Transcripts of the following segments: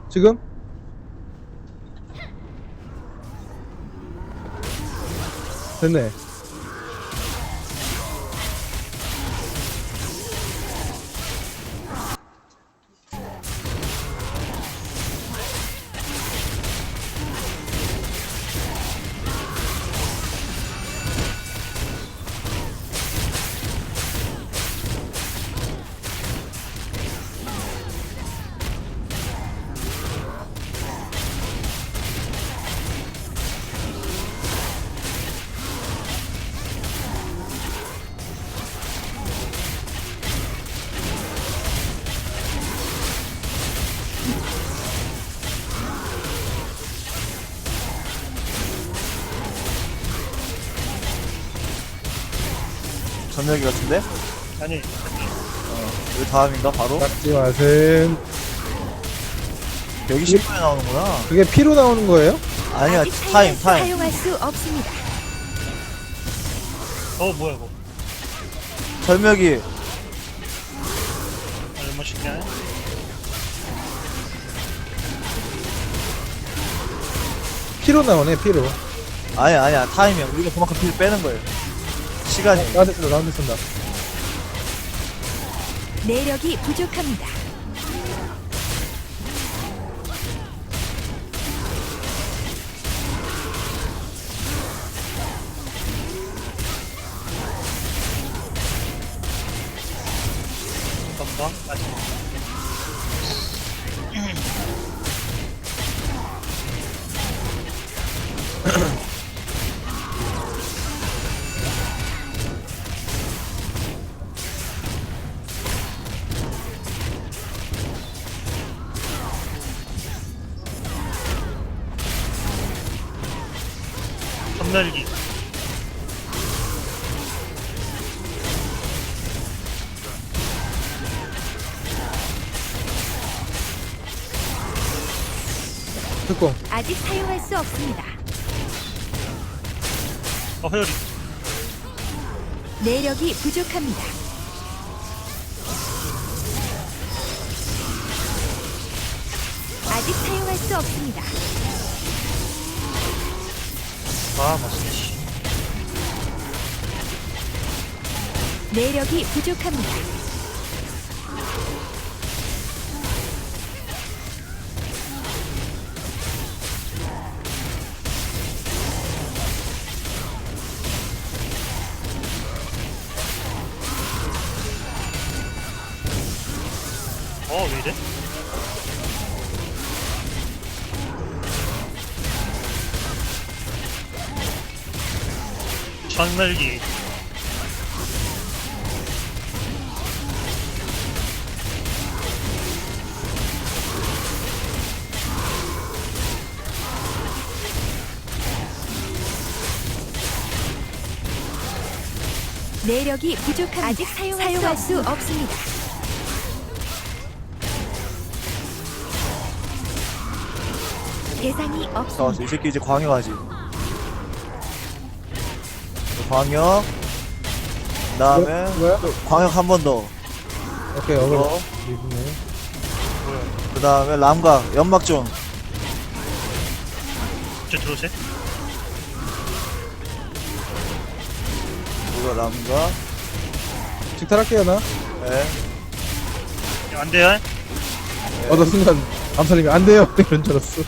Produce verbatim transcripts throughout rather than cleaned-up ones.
지금? 됐네. 전멸기 같은데? 아니 어, 여기 다음인가 바로? 닦지 마셈. 여기 십 분에 나오는구나. 그게 피로 나오는 거예요? 아니야, 아직 타임, 타이머스 타임. 사용할 수 없습니다. 어 뭐야 이거 절멸기. 얼마 쉽냐 피로 나오네, 피로. 아니야, 아니야, 타임이야. 우리가 그만큼 피를 빼는 거예요. 시간이. 나한테 쓴다, 나한테 쓴다. 내력이 부족합니다. 잠깐만 아직 전멸기 특공. 아직 사용할 수 없습니다. 어 회오리 내력이 부족합니다. 아직 사용할 수 없습니다. 아 맛있네 씨. 내력이 부족합니다. 어 왜이래? 전멸기 내력이 부족합니다. 아직 사용할, 사용할 수 없습니다. 대상이 나왔어. 없습니다. 이 새끼 이제 광역하지. 광역. 그 다음에 뭐야? 광역 한 번 더. 오케이, 어그로. 어. 이분네. 뭐야 그 다음에 람각, 연막 좀. 저 들어오세요? 이거 람각. 직탈할게요, 나. 네. 야, 안 돼요? 어, 나 순간, 암살님이 안 돼요. 이런 줄 알았어.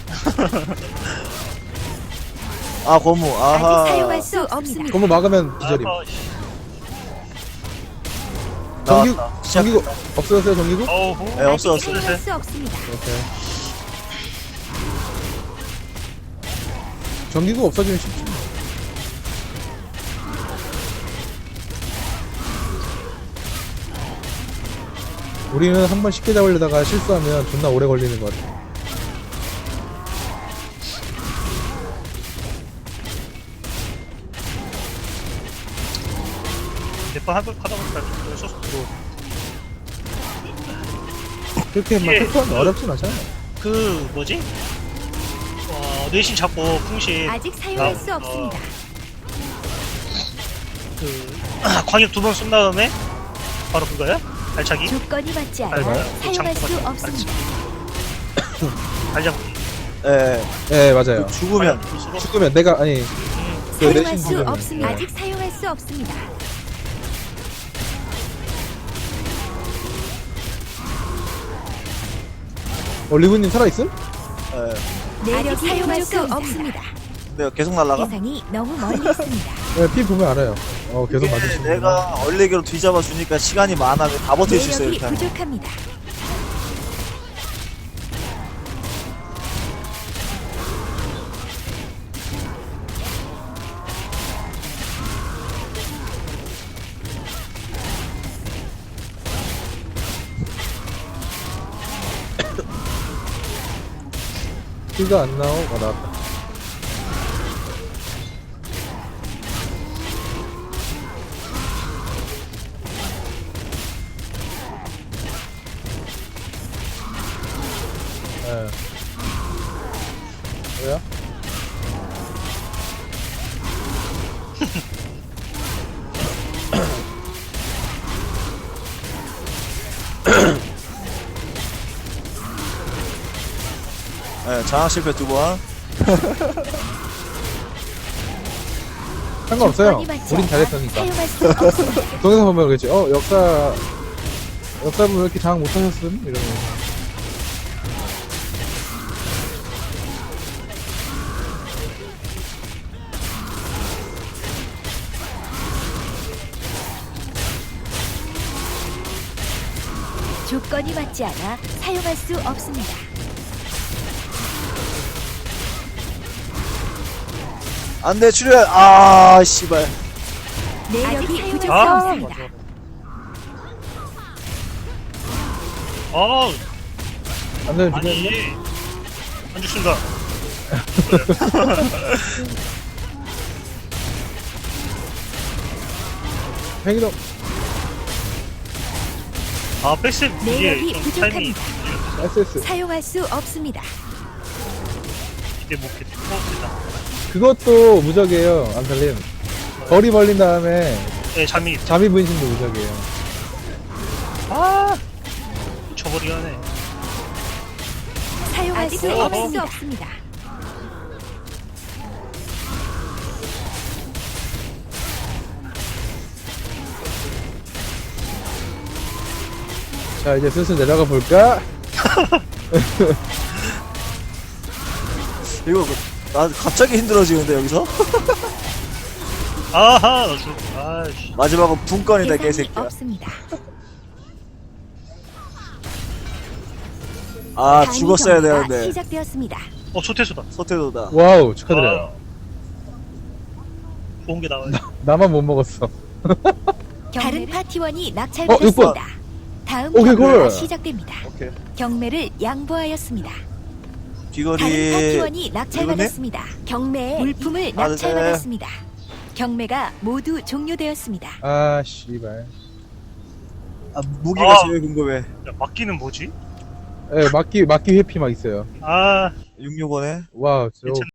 아, 고무. 아직 아하. 사용할 수 없습니다. 그거 막으면 기절임. 아, 씨. 전기, 나왔다. 전기구, 없어졌어요, 전기구? 어우 네, 없어, 아직 없어. 사용할 수 없습니다. 오케이. 전기구 없어지면 쉽지. 우리는 한 번 쉽게 잡으려다가 실수하면 존나 오래 걸리는 것 같아. 몇번 하다 보니까 좀 소스 들어. 그렇게 막 예. 특권 어렵진 않잖아. 그 뭐지? 어 뇌신 잡고 풍신 아직 사용할 나- 수 없습니다. 그 광역 두 번 쏜 다음에 바로 그거야? 발차기? 조건이 맞지 않아 아이고, 사용할 수 장소가 없습니다. 발차기. 발자국이. 예, 예 맞아요. 그 죽으면 아, 볼수록 죽으면 내가 아니 그 사용할 내신 수 죽으면 없습니다. 예. 아직 사용할 수 없습니다. 어 리브님 살아있음? 예. 내력이 사용할 수 없습니다. 근데 계속 날라가? 대상이 너무 멀리 있습니다. 예, 피 보면 알아요. 어 계속 이게 맞으시는 내가 얼레기로 뒤잡아 주니까 시간이 많아. 다 버틸 수 있어요 내력이 이렇게 하면. 부족합니다. 피가 안 나오. 어 나왔다. 예. 뭐야? 예, 장악 실패 두 번. 상관없어요. 조건이 맞지 우린 않아 잘했으니까. 사용할 수 없습니다. 동영상 보면 그러겠지. 어 역사 역사분 왜 이렇게 장악 못하셨음? 이러면. 조건이 맞지 않아 사용할 수 없습니다. 안돼 출혈. 아 씨발. 내력이 아, 부족합니다. 맞아. 아, 안 되면 아니. 죽겠네. 안 죽습니다. 행동. 아, 백스 이게 내력이 좀 타이밍이 부족합니다. 에스에스. 사용할 수 없습니다. 기대 못겠다. 어, 됐다. 그것도 무적이에요. 안살림. 거리 벌린 다음에 네, 잠이 잠이 분신도 무적이에요. 아, 쳐버리긴 하네. 사용할 수 어, 없습니다. 어. 없습니다. 자 이제 슬슬 내려가 볼까? 이거 그- 나 갑자기 힘들어지는데 여기서? 아하, 나 죽. 아이씨. 마지막은 분건이다 대상이 개새끼야. 없습니다. 아 단위 죽었어야 경기가 되는데. 시작되었습니다. 어, 소태수다. 서태도다. 와우 축하드려요. 아, 좋은 게 나와요. 나만 못 먹었어. 다른 파티원이 어, 낙찰받았습니다. 다음 오케이, 경매가 콜. 시작됩니다. 오케이. 경매를 양보하였습니다. 다른 귀걸이. 파티원이 낙찰받았습니다. 경매에 물품을 아, 네. 낙찰받았습니다. 경매가 모두 종료되었습니다. 아 씨발. 아 무기가 아. 제일 궁금해. 야, 막기는 뭐지? 예, 막기 막기 회피 막 있어요. 아, 육육원에. 와우, 저 괜찮-